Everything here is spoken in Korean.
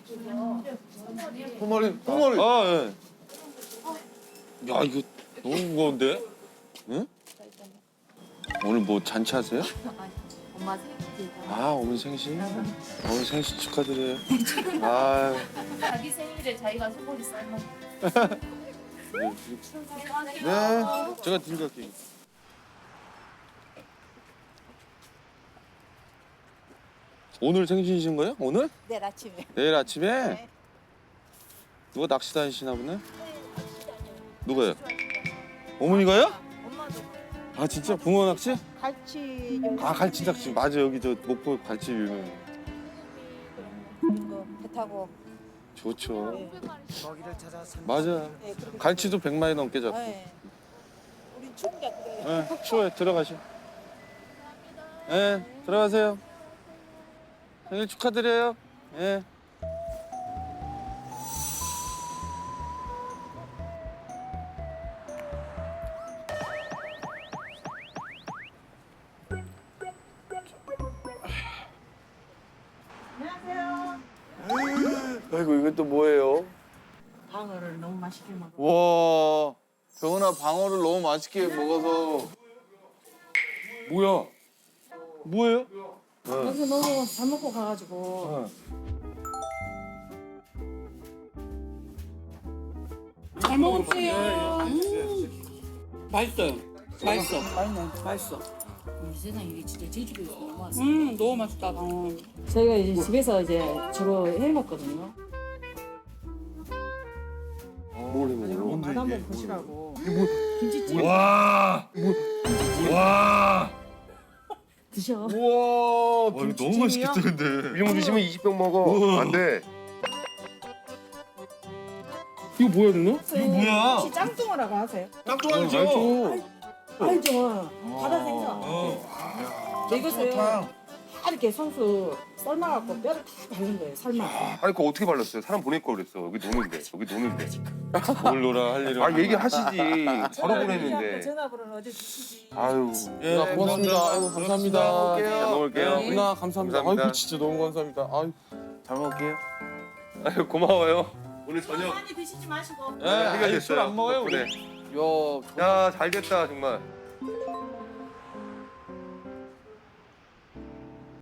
꽁어리. 아, 예. 야, 이거 너무 무거운데? 응? 오늘 뭐 잔치하세요? 엄마 생일. 아, 어머니 생신? 어머니 생신 축하드려요. 아, 자기 생일에 자기가 소고기 삶아. 네, 제가 들고 갈게요. 오늘 생신이신 거예요? 오늘? 내일 아침에. 내일 아침에? 네. 누가 낚시 다니시나 보네? 누가요? 어머니가요? 엄마도 아, 진짜? 붕어 낚시? 갈치. 아, 갈치 낚시. 맞아, 여기 저 목포 갈치 유명해. 이런 거배 타고. 좋죠. 네. 맞아. 네, 그렇게 갈치도 100마리 넘게 잡고. 네. 우리 추운 게 그래요. 네, 추워요. 들어가시오. 네, 들어가세요. 생일 축하드려요. 예. 안녕하세요. 아이고, 이건 또 뭐예요? 방어를 너무 맛있게 먹어. 와, 병은아 방어를 너무 맛있게 먹어서. 뭐야? 뭐예요? 여기 너무 잘 먹고 가가지고. 잘 먹었어요. 맛있어요. 맛있어. 맛있어. 이 세상에 이게 진짜 제주도에서 너무 왔어. 너무 맛있다. 방어. 저희가 이제 집에서 이제 주로 해 먹거든요. 뭘 해먹어요? 맛 한번 보시라고. 와, 와, 드셔. 우와, 이거 너무 맛있겠다 근데. 이 정도 드시면 20병 먹어. 안 돼. 이거 뭐야 누나? 이거 뭐야? 혹시 짱뚱어라고 하세요? 짱뚱아니죠? 알죠. 바다 생선. 이것을 다 이렇게 손수 삶아갖고 뼈를 다 바른 거예요. 삶아. 아니 그거 어떻게 발랐어요? 사람 보낼 걸 그랬어. 여기 노는데. 여기 노는데. 뭘 놀아 할 일은. 아 얘기하시지. 바로 보냈는데. 전화번호는 어디 주시지? 아유. 예, 고맙습니다. 아이고 감사합니다. 잘 먹을게요. 누나 감사합니다. 감사합니다. 아이고 진짜 너무 감사합니다. 아유, 잘 먹을게요. 아유 고마워요. 오늘 저녁 많이 드시지 마시고. 예, 해결됐어요. 술안 먹어요 우리. 덕분에. 야, 야 잘됐다 정말.